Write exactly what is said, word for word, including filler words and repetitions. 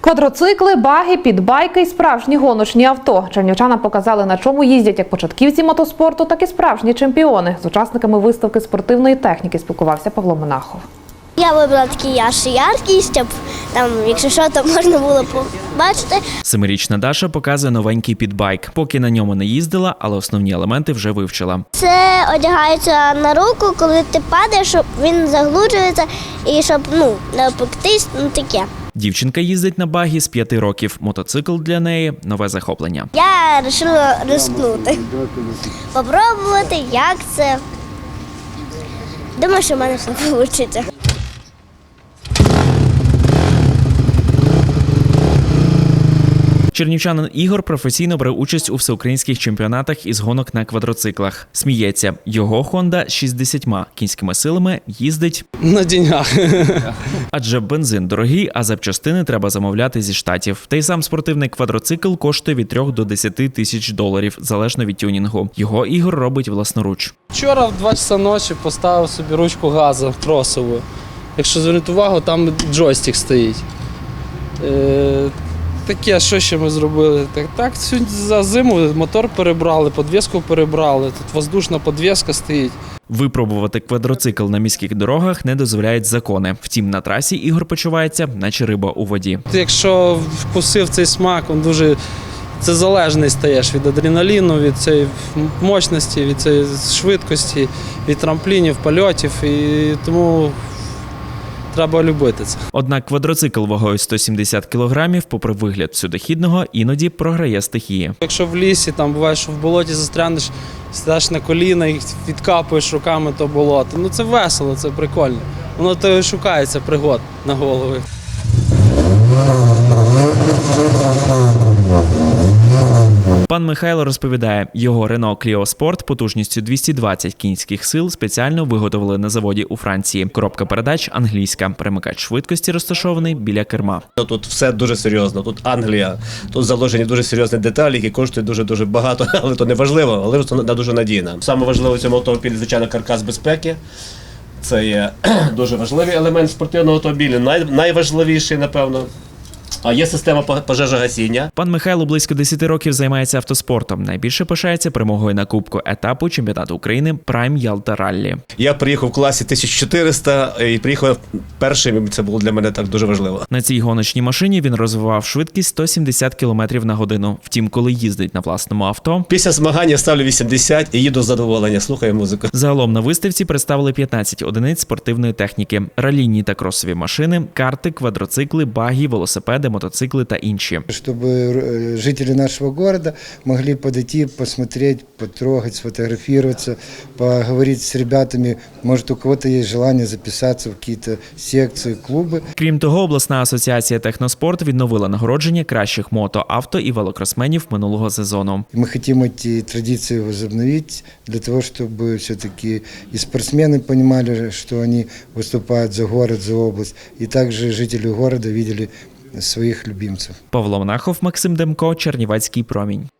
Квадроцикли, баги, підбайки і справжні гоночні авто. Чернівчанам показали, на чому їздять як початківці мотоспорту, так і справжні чемпіони. З учасниками виставки спортивної техніки спілкувався Павло Монахов. Я вибрала такий аж яркий, щоб там, якщо що, то можна було побачити. Семирічна Даша показує новенький підбайк. Поки на ньому не їздила, але основні елементи вже вивчила. Це одягається на руку, коли ти падаєш, щоб він заглуджується і щоб ну, не опектись, ну таке. Дівчинка їздить на багі з п'яти років. Мотоцикл для неї – нове захоплення. Я вирішила ризикнути, попробувати, як це. Думаю, що в мене все вийде. Чернівчанин Ігор професійно бере участь у всеукраїнських чемпіонатах із гонок на квадроциклах. Сміється, його «Хонда» з шістдесятьма кінськими силами їздить на деньгах. Адже бензин дорогий, а запчастини треба замовляти зі Штатів. Та й сам спортивний квадроцикл коштує від трьох до десяти тисяч доларів, залежно від тюнінгу. Його Ігор робить власноруч. Вчора в два часа ночі поставив собі ручку газу тросову. Якщо звернути увагу, там джойстик стоїть. Е Таке, що ще ми зробили? Так, так за зиму мотор перебрали, підвіску перебрали, тут воздушна підвіска стоїть. Випробувати квадроцикл на міських дорогах не дозволяють закони. Втім, на трасі Ігор почувається, наче риба у воді. Якщо вкусив цей смак, він дуже це залежний стаєш від адреналіну, від цієї мощності, від цієї швидкості, від трамплінів, польотів. І тому треба любити це. Однак квадроцикл вагою сто сімдесят кілограмів, попри вигляд всюдохідного, іноді програє стихії. Якщо в лісі, там буває, що в болоті застрянеш, сідаєш на коліна і відкапуєш руками то болото. Ну це весело, це прикольно. Воно то і шукається пригод на голови. Пан Михайло розповідає, його Renault Clio Sport потужністю двісті двадцять кінських сил спеціально виготовили на заводі у Франції. Коробка передач англійська, перемикач швидкості розташований біля керма. Тут все дуже серйозно, тут Англія, тут заложені дуже серйозні деталі, які коштують дуже-дуже багато, але то не важливо, але це дуже надійно. Саме важливе в цьому автомобілі, звичайно, каркас безпеки. Це є дуже важливий елемент спортивного автомобіля, най, найважливіший, напевно. А є система пожежогасіння. Пан Михайло близько десяти років займається автоспортом. Найбільше пишається перемогою на кубку етапу чемпіонату України Prime Ялта Раллі. Я приїхав в класі тисяча чотириста і приїхав першим, це було для мене так дуже важливо. На цій гоночній машині він розвивав швидкість сто сімдесят кілометрів на годину. Втім, коли їздить на власному авто... Після змагання я ставлю вісімдесят і їду з задоволення, слухаю музику. Загалом на виставці представили п'ятнадцять одиниць спортивної техніки, ралійні та кросові машини, карти, квадроцикли, баги, велосипеди, мотоцикли та інші. Щоб жителі нашого города могли подойти, посмотреть, потрогать, сфотографироваться, поговорить з ребятами. Може, у кого-то є бажання записатися в якісь секції, клуби. Крім того, обласна асоціація «Техноспорт» відновила нагородження кращих мото, авто і велокросменів минулого сезону. Ми хочемо ці традиції відновити для того, щоб все-таки і спортсмени розуміли, що вони виступають за город, за область, і також жителі города бачили своїх любимців. Павло Монахов, Максим Демко, Чернівецький промінь.